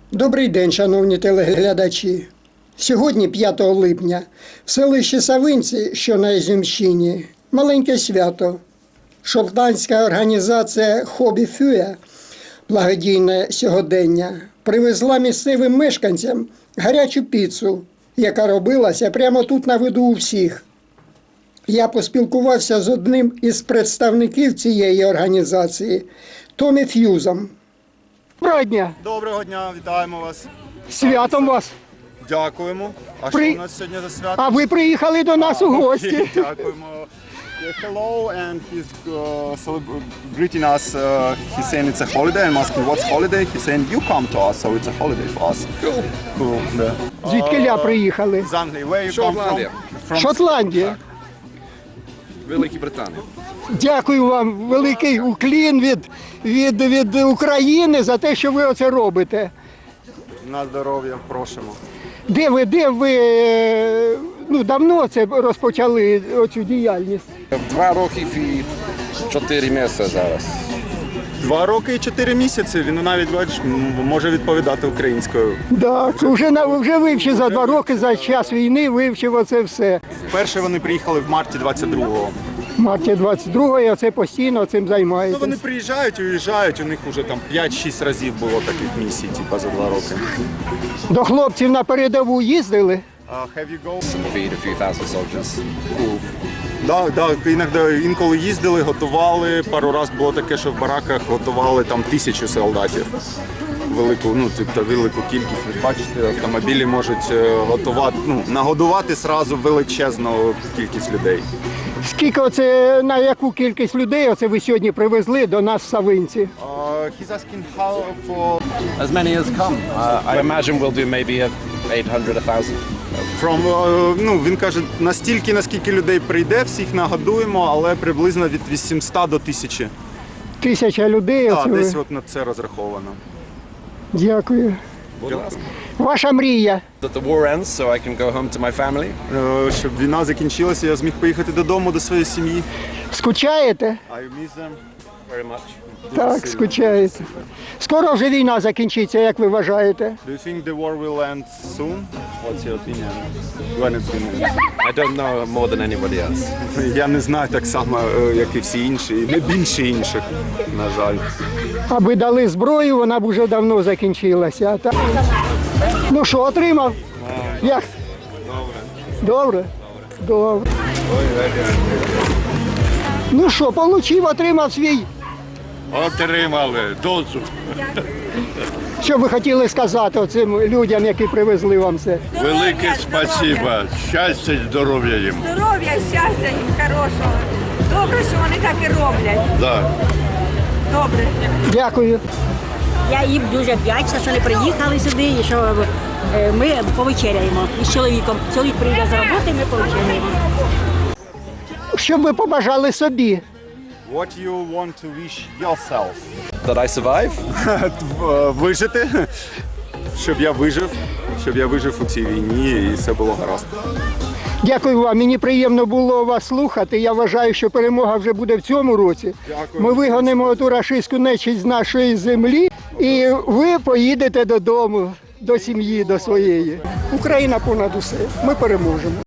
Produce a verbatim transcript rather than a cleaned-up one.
Добрий день, шановні телеглядачі. Сьогодні, п'ятого липня, в селищі Савинці, що на Ізюмщині, маленьке свято. Шотландська організація «Хобі Фює» благодійне сьогодення привезла місцевим мешканцям гарячу піцу, яка робилася прямо тут на виду у всіх. Я поспілкувався з одним із представників цієї організації – Томі Ф'юзом. Доброго дня! Доброго дня, вітаємо вас. Святом вас! Дякуємо. А При- що у нас сьогодні за свято? А ви приїхали до нас у гості. Окей, дякуємо. Yeah, hello, and he's uh, celebr- greeting us. Uh, he's saying it's a holiday. I'm asking what's holiday. He's saying you come to us, so it's a holiday for us. Cool. Cool. Yeah. Звідкиля приїхали? З Англії. Where you come from? Шотландія. From Шотландія. Великій Британії. Дякую вам, великий уклін від, від, від України за те, що ви оце робите. На здоров'я, просимо. Де ви, де ви, е, ну, давно це розпочали оцю діяльність? Два роки і чотири місяці зараз. Два роки і чотири місяці. Він навіть, бачиш, м- може відповідати українською. Так, вже, на- вже вивчив за два роки, за час війни вивчив оце все. Вперше вони приїхали в марті двадцять другого. В марті двадцять другого оце постійно цим Ну, займаєтесь. вони приїжджають і уїжджають, у них вже там п'ять-шість разів було таких місій, типу, за два роки. До хлопців на передову їздили? Uh, have you go? Feed a few thousand soldiers. Да, да, іноді, інколи їздили, готували. Пару разів було таке, що в бараках готували там тисячу солдатів. Велику, ну, тобто велику кількість. Ви бачите, автомобілі можуть е, готувати, ну, нагодувати сразу величезну кількість людей. Скільки оце, на яку кількість людей оце ви сьогодні привезли до нас в Савинці? Uh, he's asking how for As many as come. Uh, I imagine we'll do maybe a eight hundred, a thousand. from, е, ну, він каже, настільки, наскільки людей прийде, всіх нагодуємо, але приблизно від вісімсот до тисячі. Тисяча людей. Так, Оце ви. десь от на це розраховано. Дякую. Будь ласка. Ваша мрія? That the war ends so I can go home to my family. Е, Щоб війна закінчилася, я зміг поїхати додому до своєї сім'ї. Скучаєте? I miss them. Very much. Так, скучаєте. Скоро вже війна закінчиться, як ви вважаєте? Do you think the war will end soon? What's your opinion? When it's gonna end? I don't know more than anybody else. Я не знаю так само, е, як і всі інші, і не більше інших, на жаль. Аби дали зброю, вона б уже давно закінчилася. А так... Ну що, отримав? Як? Добре. Добре? Добре. Ну що, получив, отримав свій. Отримали дозу. Що ви хотіли сказати цим людям, які привезли вам це? Велике спасибо. Щастя і здоров'я їм. Здоров'я, щастя їм хорошого. Добре, що вони так і роблять. Да. Добре. Дякую. Я їм дуже вдячна, що вони приїхали сюди і що е, ми повечеряємо із чоловіком. Чоловік прийде з роботи, ми повечеряємо. Що б ви побажали собі? What you want to wish yourself? That I survive. Е, Вижити, щоб я вижив, щоб я вижив у цій війні і все було гаразд. Дякую вам. Мені приємно було вас слухати. Я вважаю, що перемога вже буде в цьому році. Дякую. Ми вигонимо ту рашистську нечисть з нашої землі, і ви поїдете додому, до сім'ї, до своєї. Україна понад усе. Ми переможемо.